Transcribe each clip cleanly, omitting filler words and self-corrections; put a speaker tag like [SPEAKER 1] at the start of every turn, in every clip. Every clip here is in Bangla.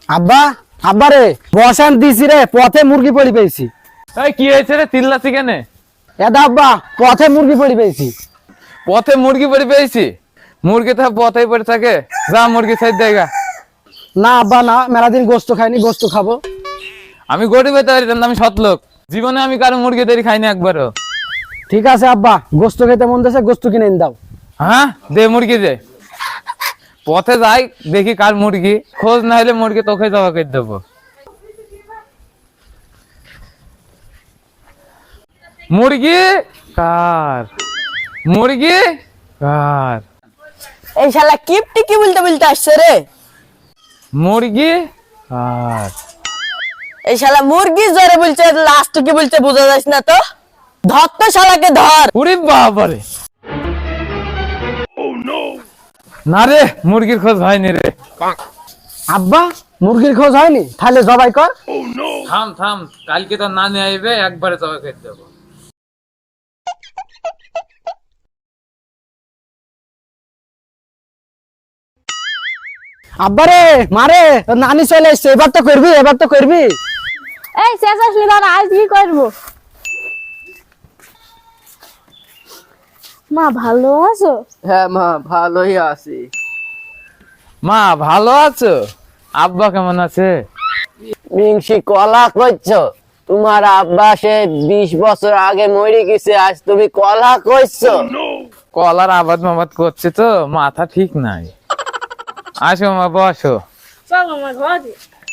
[SPEAKER 1] আব্বা আব্বা রে বসান দিছি রে, পথে মুরগি পড়ি পেয়েছি।
[SPEAKER 2] এই কি হয়েছে রে, চিল্লাছি কেন?
[SPEAKER 1] এটা আব্বা পথে মুরগি পড়ি পেয়েছি।
[SPEAKER 2] পথে মুরগি পড়ে পেয়েছি? মুরগি তো পথেই পড়ে থাকে, যা মুরগি সাইড দেগা।
[SPEAKER 1] না আব্বা না, মেলা দিন গোস্ত খাইনি, গোস্ত খাবো।
[SPEAKER 2] আমি গরিব হতে পারি, আমি সৎ লোক, জীবনে আমি কারো মুরগি তৈরি খাইনি একবারও।
[SPEAKER 1] ঠিক আছে আব্বা, গোস্ত খেতে মন দিয়েছে, গোস্ত কিনে এনে দাও।
[SPEAKER 2] হ্যাঁ দে মুরগি দে। পথে যাই দেখি কার মুরগি, খোঁজ না হলে মুরগি তোকে জবা করে দেবো। মুরগি কার? মুরগি কার?
[SPEAKER 3] এই শালা কিপটি কি বলতে বলতে আসছে রে?
[SPEAKER 2] মুরগি কার?
[SPEAKER 3] এই শালা মুরগি জোরে বলছে, লাস্ট কি বলছে বোঝা যাচ্ছে না তো। ধর তো শালাকে ধর।
[SPEAKER 2] ওরে বাবারে, না রে মুরগির খোঁজ হয়নি রে।
[SPEAKER 1] আব্বা মুরগির খোঁজ হয়নি, তাহলে জবাই কর।
[SPEAKER 2] থাম থাম, কালকে তো না নিয়ে আইবে, একবারে জবা করে দেবো।
[SPEAKER 1] আব্বা রে মারে, নানি চলে এসছে, এবার তো করবি, এবার তো করবি।
[SPEAKER 4] এই শেষ আসলি দাঁড়া, আজ কি করবো? মা ভালো আছো?
[SPEAKER 3] হ্যাঁ মা ভালোই আছি।
[SPEAKER 2] মা ভালো আছো? আব্বা কেমন আছে?
[SPEAKER 3] মিংসি কলা কইছো? তোমার আব্বা সে 20 বছর আগে মরে গেছে, আজ তুমি কলা কইছো?
[SPEAKER 2] কলার আবাদ মাবাদ করছে তো, মাথা ঠিক নাই। আসো মা বসো।
[SPEAKER 4] চল আমার ঘরে।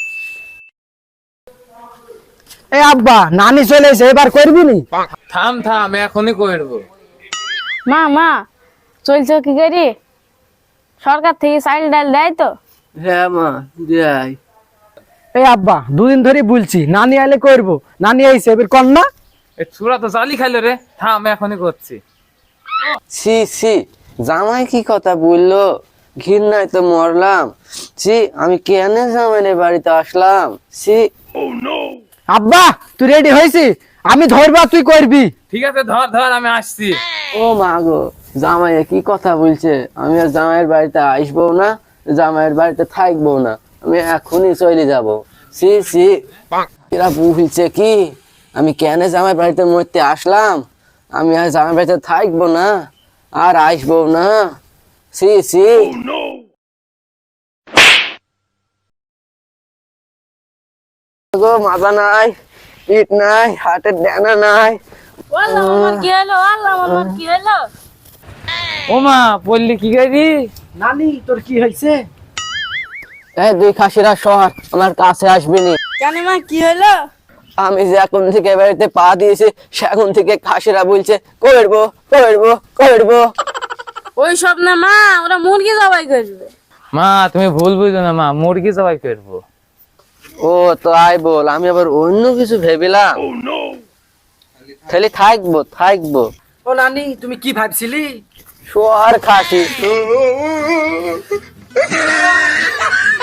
[SPEAKER 1] এই আব্বা নানি চলে এসে, এবার করবি নি?
[SPEAKER 2] থাম থাম, এখনই করবো।
[SPEAKER 4] মা মা চলছো কি করি? সরকার থেকে চাইল ডাল দেয় তো?
[SPEAKER 3] হ্যাঁ মা যাই।
[SPEAKER 1] এই আব্বা দুদিন ধরে বলছি নানি আইলে করবো, নানি আইছে, এবার কর না।
[SPEAKER 2] এই চূড়া তো জালি খাইলো রে, থাম এখনই করছি।
[SPEAKER 3] ছি ছি, জামাই কি কথা বললো, ঘৃণায় তো মরলাম। ছি, আমি কেন জামাইনের বাড়িতে আসলাম? ছি।
[SPEAKER 1] আব্বা তুই রেডি হয়েছি, আমি ধরবা, তুই করবি।
[SPEAKER 2] ঠিক আছে ধর ধর, আমি আসছি।
[SPEAKER 3] ও মা গো, জামাই কি কথা বলছে? আমি আর জামাইয়ের বাড়িতে আসবো না, জামাইয়ের বাড়িতে থাকবো না, আমি এখনই চলে যাব। ছি ছি, এরা বলছে কি, আমি কেন জামাইয়ের বাড়িতে মরতে আসলাম? আমি আর জামাইয়ের বাড়িতে থাকবো না, আর আসবো না। ছি ছি। গো মাথা নাই, পিঠ নাই, হাতের ডানা নাই।
[SPEAKER 4] আল্লাহ আমার কি হলো? আল্লাহ আমার কি হলো?
[SPEAKER 2] ও মা বললি কি করি?
[SPEAKER 1] নানি তোর কি হয়েছে?
[SPEAKER 3] এই দুই খাসিরা শহর আমার কাছে আসবি নি।
[SPEAKER 4] জানি মা কি হলো?
[SPEAKER 3] আমি যে এখন থেকে বাড়িতে পা দিয়েছি, সেখন থেকে খাসিরা বলছে করবো করবো করবো।
[SPEAKER 4] ওই সব না মা, ওরা মুরগি জবাই করবে।
[SPEAKER 2] মা তুমি ভুল বুঝো না, মা মুরগি জবাই করবো।
[SPEAKER 3] ও তো আই বল, আমি আবার অন্য কিছু ভেবিলাম। খালি থাকবো থাকবো।
[SPEAKER 1] ও নানি তুমি কি ভাবছিলি?
[SPEAKER 3] শোয়ার খাসি।